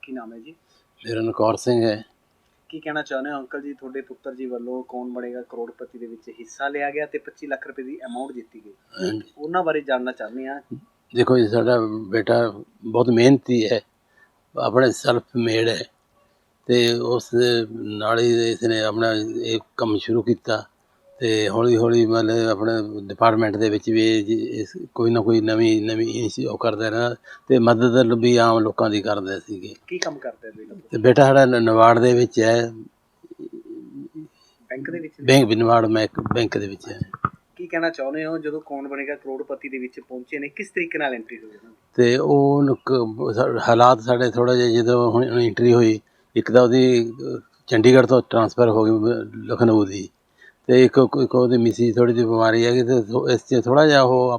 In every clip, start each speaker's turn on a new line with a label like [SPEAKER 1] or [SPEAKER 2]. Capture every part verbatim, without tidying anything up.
[SPEAKER 1] ਕੀ ਨਾਮ ਹੈ ਜੀ?
[SPEAKER 2] ਮੇਰਾ ਨਾਮ ਕੌਰ ਸਿੰਘ ਹੈ।
[SPEAKER 1] ਕੀ ਕਹਿਣਾ ਚਾਹੁੰਦੇ ਹੋ ਅੰਕਲ ਜੀ, ਤੁਹਾਡੇ ਪੁੱਤਰ ਜੀ ਵੱਲੋਂ ਕੌਣ ਬਣੇਗਾ ਕਰੋੜਪਤੀ ਦੇ ਵਿੱਚ ਹਿੱਸਾ ਲਿਆ ਗਿਆ ਤੇ ਪੱਚੀ ਲੱਖ ਰੁਪਏ ਦੀ ਅਮਾਉਂਟ ਜਿੱਤੀ ਗਈ, ਉਹਨਾਂ ਬਾਰੇ ਜਾਣਨਾ ਚਾਹੁੰਦੇ ਹਾਂ।
[SPEAKER 2] ਦੇਖੋ ਜੀ, ਸਾਡਾ ਬੇਟਾ ਬਹੁਤ ਮਿਹਨਤੀ ਹੈ, ਆਪਣੇ ਸੈਲਫ ਮੇਡ ਹੈ ਤੇ ਉਸ ਦੇ ਨਾਲ ਹੀ ਇਸਨੇ ਆਪਣਾ ਇਹ ਕੰਮ ਸ਼ੁਰੂ ਕੀਤਾ ਤੇ ਹੌਲੀ ਹੌਲੀ ਮਤਲਬ ਆਪਣੇ ਡਿਪਾਰਟਮੈਂਟ ਦੇ ਵਿੱਚ ਵੀ ਇਸ ਕੋਈ ਨਾ ਕੋਈ ਨਵੀਂ ਨਵੀਂ ਉਹ ਕਰਦਾ ਰਹਿਣਾ ਤੇ ਮਦਦ ਵੀ ਆਮ ਲੋਕਾਂ ਦੀ ਕਰਦੇ ਸੀਗੇ।
[SPEAKER 1] ਕੀ ਕੰਮ ਕਰਦਾ ਬੇਟਾ?
[SPEAKER 2] ਤੇ ਬੇਟਾ ਸਾਡਾ ਨਵਾੜ ਦੇ ਵਿੱਚ ਹੈ,
[SPEAKER 1] ਬੈਂਕ ਦੇ ਵਿੱਚ?
[SPEAKER 2] ਬੈਂਕ ਨਵਾੜ ਮੈਂ ਬੈਂਕ ਦੇ ਵਿੱਚ ਹੈ।
[SPEAKER 1] ਕੀ ਕਹਿਣਾ ਚਾਹੁੰਦੇ ਹੋ, ਜਦੋਂ ਕੌਣ ਬਣੇਗਾ ਕਰੋੜਪਤੀ ਦੇ ਵਿੱਚ ਪਹੁੰਚੇ ਨੇ, ਕਿਸ ਤਰੀਕੇ ਨਾਲ ਐਂਟਰੀ ਹੋਈ?
[SPEAKER 2] ਤੇ ਉਹ ਹਾਲਾਤ ਸਾਡੇ ਥੋੜ੍ਹਾ ਜਿਹਾ ਜਦੋਂ ਹੁਣ ਐਂਟਰੀ ਹੋਈ, ਇੱਕ ਤਾਂ ਉਹਦੀ ਚੰਡੀਗੜ੍ਹ ਤੋਂ ਟਰਾਂਸਫਰ ਹੋ ਗਈ ਲਖਨਊ ਦੀ, ਅਤੇ ਇੱਕ ਇੱਕ ਉਹਦੀ ਮਿਸੀ ਥੋੜ੍ਹੀ ਜਿਹੀ ਬਿਮਾਰੀ ਹੈਗੀ ਅਤੇ ਇਸ 'ਚ ਥੋੜ੍ਹਾ ਜਿਹਾ ਉਹ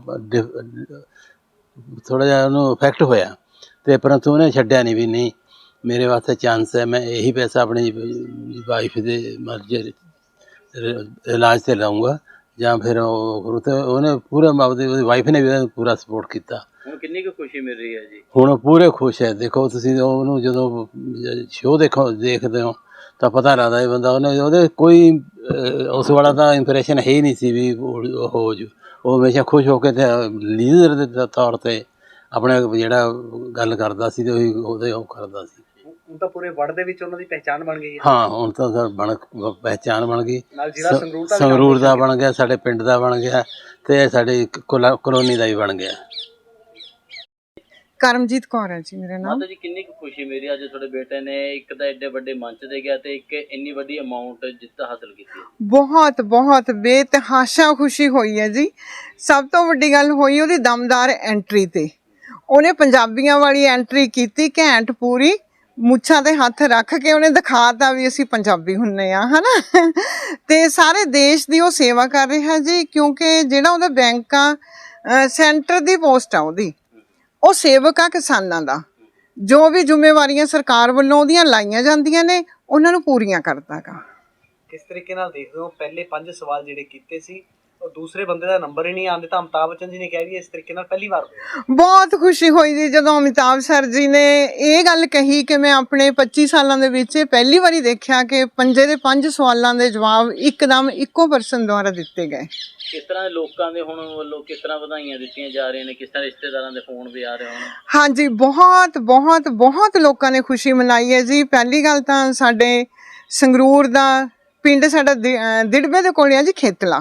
[SPEAKER 2] ਥੋੜ੍ਹਾ ਜਿਹਾ ਉਹਨੂੰ ਇਫੈਕਟ ਹੋਇਆ ਅਤੇ ਪਰੰਤੂ ਉਹਨੇ ਛੱਡਿਆ ਨਹੀਂ ਵੀ ਨਹੀਂ ਮੇਰੇ ਵਾਸਤੇ ਚਾਂਸ ਹੈ, ਮੈਂ ਇਹੀ ਪੈਸਾ ਆਪਣੀ ਵਾਈਫ ਦੇ ਮਰਜ਼ੀ ਇਲਾਜ 'ਤੇ ਲਾਊਂਗਾ ਜਾਂ ਫਿਰ ਉਹ ਤੇ ਉਹਨੇ ਪੂਰਾ ਆਪਦੀ ਉਹਦੀ ਵਾਈਫ ਨੇ ਵੀ ਪੂਰਾ ਸਪੋਰਟ ਕੀਤਾ।
[SPEAKER 1] ਹੁਣ ਕਿੰਨੀ ਕੁ ਖੁਸ਼ੀ ਮਿਲ ਰਹੀ ਹੈ ਜੀ?
[SPEAKER 2] ਹੁਣ ਪੂਰੇ ਖੁਸ਼ ਹੈ। ਦੇਖੋ ਤੁਸੀਂ ਉਹਨੂੰ ਜਦੋਂ ਸ਼ੋਅ ਦੇਖੋ ਦੇਖਦੇ ਹੋ ਤਾਂ ਪਤਾ ਲੱਗਦਾ ਇਹ ਬੰਦਾ ਉਹਨੇ ਉਹਦੇ ਕੋਈ ਉਸ ਵਾਲਾ ਤਾਂ ਇੰਪਰੈਸ਼ਨ ਹੈ ਹੀ ਨਹੀਂ ਸੀ ਵੀ ਉਹ ਹੋ ਜੂ। ਉਹ ਹਮੇਸ਼ਾ ਖੁਸ਼ ਹੋ ਕੇ ਤੇ ਲੀਡਰ ਦੇ ਤੌਰ 'ਤੇ ਆਪਣੇ ਜਿਹੜਾ ਗੱਲ ਕਰਦਾ ਸੀ ਤੇ ਉਹੀ ਉਹਦੇ ਉਹ ਕਰਦਾ ਸੀ।
[SPEAKER 1] ਹੁਣ ਤਾਂ ਪੂਰੇ ਵਰਲਡ ਦੇ ਵਿੱਚ ਉਹਨਾਂ ਦੀ ਪਹਿਚਾਣ ਬਣ ਗਈ ਹੈ।
[SPEAKER 2] ਹਾਂ, ਹੁਣ ਤਾਂ ਸਰ ਬਣ ਪਹਿਚਾਣ ਬਣ ਗਈ,
[SPEAKER 1] ਜਿਹੜਾ
[SPEAKER 2] ਸੰਗਰੂਰ ਦਾ ਬਣ ਗਿਆ, ਸਾਡੇ ਪਿੰਡ ਦਾ ਬਣ ਗਿਆ ਤੇ ਸਾਡੀ ਕਲੋਨੀ ਦਾ ਵੀ ਬਣ ਗਿਆ।
[SPEAKER 3] ਕਰਮਜੀਤ ਕੌਰ ਹੈ ਜੀ ਮੇਰਾ ਨਾਮ।
[SPEAKER 1] ਮਾਤਾ ਜੀ, ਕਿੰਨੀ ਕੁ ਖੁਸ਼ੀ ਮੇਰੀ ਅੱਜ ਤੁਹਾਡੇ ਬੇਟੇ ਨੇ ਇੱਕ ਤਾਂ ਐਡੇ ਵੱਡੇ ਮੰਚ ਤੇ ਗਿਆ ਤੇ ਇੱਕ ਇੰਨੀ ਵੱਡੀ ਅਮਾਉਂਟ ਜਿੱਤ ਹਾਸਲ ਕੀਤੀ?
[SPEAKER 3] ਬਹੁਤ ਬਹੁਤ ਬੇਤਹਾਸ਼ਾ ਖੁਸ਼ੀ ਹੋਈ ਹੈ ਜੀ। ਸਭ ਤੋਂ ਵੱਡੀ ਗੱਲ ਹੋਈ ਉਹਦੀ ਦਮਦਾਰ ਐਂਟਰੀ ਤੇ। ਉਹਨੇ ਪੰਜਾਬੀਆਂ ਵਾਲੀ ਐਂਟਰੀ ਕੀਤੀ, ਘੈਂਟ ਪੂਰੀ, ਮੁੱਛਾਂ ਤੇ ਹੱਥ ਰੱਖ ਕੇ ਉਹਨੇ ਦਿਖਾਤਾ ਵੀ ਅਸੀਂ ਪੰਜਾਬੀ ਹੁੰਨੇ ਆ, ਹਨਾ। ਤੇ ਸਾਰੇ ਦੇਸ਼ ਦੀ ਉਹ ਸੇਵਾ ਕਰ ਰਿਹਾ ਜੀ, ਕਿਉਂਕਿ ਜਿਹੜਾ ਉਹਦਾ ਬੈਂਕ ਆ ਸੈਂਟਰ ਦੀ ਪੋਸਟ ਆ ਉਹਦੀ, ਉਹ ਸੇਵਕ ਆ ਕਿਸਾਨਾਂ ਦਾ। ਜੋ ਵੀ ਜ਼ਿੰਮੇਵਾਰੀਆਂ ਸਰਕਾਰ ਵੱਲੋਂ ਉਹਦੀਆਂ ਲਾਈਆਂ ਜਾਂਦੀਆਂ ਨੇ ਉਹਨਾਂ ਨੂੰ ਪੂਰੀਆਂ ਕਰਦਾ ਗਾ।
[SPEAKER 1] ਕਿਸ ਤਰੀਕੇ ਨਾਲ ਦੇਖਦੇ ਹੋ, ਪਹਿਲੇ ਪੰਜ ਸਵਾਲ ਜਿਹੜੇ ਕੀਤੇ ਸੀ ਉਹ ਦੂਸਰੇ ਬੰਦੇ ਦਾ ਨੰਬਰ ਹੀ ਨਹੀਂ ਆਉਂਦੇ ਤਾਂ ਅਮਿਤਾਭ ਬੱਚਨ ਜੀ ਨੇ ਕਿਹਾ ਵੀ ਇਸ ਤਰੀਕੇ ਨਾਲ ਪਹਿਲੀ ਵਾਰ ਹੋਇਆ।
[SPEAKER 3] ਬਹੁਤ ਖੁਸ਼ੀ ਹੋਈ ਜੀ ਜਦੋਂ ਅਮਿਤਾਭ ਸਰ ਜੀ ਨੇ ਇਹ ਗੱਲ ਕਹੀ ਕਿ ਮੈਂ ਆਪਣੇ ਪੱਚੀ ਸਾਲਾਂ ਦੇ ਵਿੱਚ ਪਹਿਲੀ ਵਾਰੀ ਦੇਖਿਆ ਕਿ ਪੰਜੇ ਦੇ ਪੰਜ ਸਵਾਲਾਂ ਦੇ ਜਵਾਬ ਇੱਕਦਮ ਇੱਕੋ ਪਰਸਨ ਦੁਆਰਾ ਦਿੱਤੇ ਗਏ।
[SPEAKER 1] ਕਿਸ ਤਰ੍ਹਾਂ ਦੇ ਲੋਕਾਂ ਦੇ ਹੁਣ ਵੱਲੋਂ ਕਿਸ ਤਰ੍ਹਾਂ ਵਧਾਈਆਂ ਦਿੱਤੀਆਂ ਜਾ ਰਹੀਆਂ ਨੇ, ਕਿਸ ਤਰ੍ਹਾਂ ਰਿਸ਼ਤੇਦਾਰਾਂ ਦੇ ਫੋਨ ਵੀ ਆ ਰਹੇ ਹੋਣ?
[SPEAKER 3] ਹਾਂਜੀ, ਬਹੁਤ ਬਹੁਤ ਬਹੁਤ ਲੋਕਾਂ ਨੇ ਖੁਸ਼ੀ ਮਨਾਈ ਹੈ ਜੀ। ਪਹਿਲੀ ਗੱਲ ਤਾਂ ਸਾਡੇ ਸੰਗਰੂਰ ਦਾ ਪਿੰਡ ਸਾਡਾ ਦਿੜਬੇ ਦੇ ਕੋਲ ਆ ਜੀ, ਖੇਤਲਾ,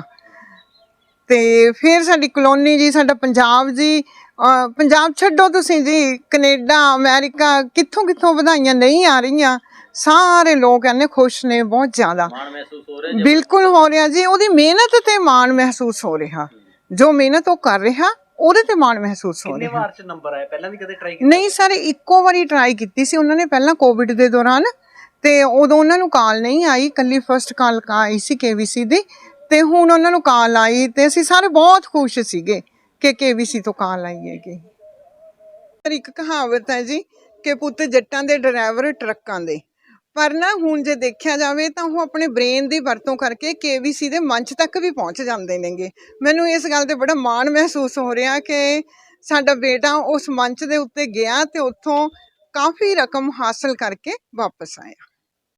[SPEAKER 3] ਤੇ ਫਿਰ ਸਾਡੀ ਕਲੋਨੀ ਜੀ, ਸਾਡਾ ਪੰਜਾਬ ਜੀ। ਪੰਜਾਬ ਛੱਡੋ ਤੁਸੀਂ ਜੀ, ਕਨੇਡਾ, ਅਮਰੀਕਾ, ਕਿੱਥੋਂ ਕਿੱਥੋਂ ਵਧਾਈਆਂ ਨਹੀਂ ਆ ਰਹੀਆਂ। ਸਾਰੇ ਲੋਕ ਇੰਨੇ ਖੁਸ਼ ਨੇ, ਬਹੁਤ ਜ਼ਿਆਦਾ
[SPEAKER 1] ਮਾਣ ਮਹਿਸੂਸ ਹੋ ਰਿਹਾ?
[SPEAKER 3] ਬਿਲਕੁਲ ਹੋ ਰਿਹਾ ਜੀ। ਉਹਦੀ ਮਿਹਨਤ ਤੇ ਮਾਣ ਮਹਿਸੂਸ ਹੋ ਰਿਹਾ, ਜੋ ਮਿਹਨਤ ਉਹ ਕਰ ਰਿਹਾ ਉਹਦੇ ਤੇ ਮਾਣ ਮਹਿਸੂਸ ਹੋ ਰਿਹਾ।
[SPEAKER 1] ਕਿੰਨੇ ਵਾਰ ਚ ਨੰਬਰ ਆਇਆ? ਪਹਿਲਾਂ ਵੀ ਕਦੇ ਟਰਾਈ ਕੀਤਾ?
[SPEAKER 3] ਨਹੀਂ ਸਰ, ਇੱਕੋ ਵਾਰੀ ਟਰਾਈ ਕੀਤੀ ਸੀ ਉਹਨਾਂ ਨੇ, ਪਹਿਲਾਂ ਕੋਵਿਡ ਦੇ ਦੌਰਾਨ, ਤੇ ਉਦੋਂ ਉਹਨਾਂ ਨੂੰ ਕਾਲ ਨਹੀਂ ਆਈ, ਇਕੱਲੀ ਫਸਟ ਕਾਲ ਆਈ ਸੀ ਕੇ ਵੀ ਸੀ ਦੀ, ਤੇ ਹੁਣ ਉਹਨਾਂ ਨੂੰ ਕਾਲ ਆਈ ਤੇ ਅਸੀਂ ਸਾਰੇ ਬਹੁਤ ਖੁਸ਼ ਸੀਗੇ ਕਿ ਕੇ ਵੀ ਸੀ ਤੋਂ ਕਾਲ ਆਈ ਹੈਗੀ। ਇੱਕ ਕਹਾਵਤ ਹੈ ਜੀ ਕਿ ਪੁੱਤ ਜੱਟਾਂ ਦੇ ਡਰਾਈਵਰ ਟਰੱਕਾਂ ਦੇ, ਪਰ ਨਾ ਹੁਣ ਜੇ ਦੇਖਿਆ ਜਾਵੇ ਤਾਂ ਉਹ ਆਪਣੇ ਬ੍ਰੇਨ ਦੀ ਵਰਤੋਂ ਕਰਕੇ ਕੇ ਵੀ ਸੀ ਦੇ ਮੰਚ ਤੱਕ ਵੀ ਪਹੁੰਚ ਜਾਂਦੇ ਨੇਗੇ। ਮੈਨੂੰ ਇਸ ਗੱਲ ਤੇ ਬੜਾ ਮਾਣ ਮਹਿਸੂਸ ਹੋ ਰਿਹਾ ਕਿ ਸਾਡਾ ਬੇਟਾ ਉਸ ਮੰਚ ਦੇ ਉੱਤੇ ਗਿਆ ਤੇ ਉੱਥੋਂ ਕਾਫੀ ਰਕਮ ਹਾਸਲ ਕਰਕੇ ਵਾਪਸ ਆਇਆ।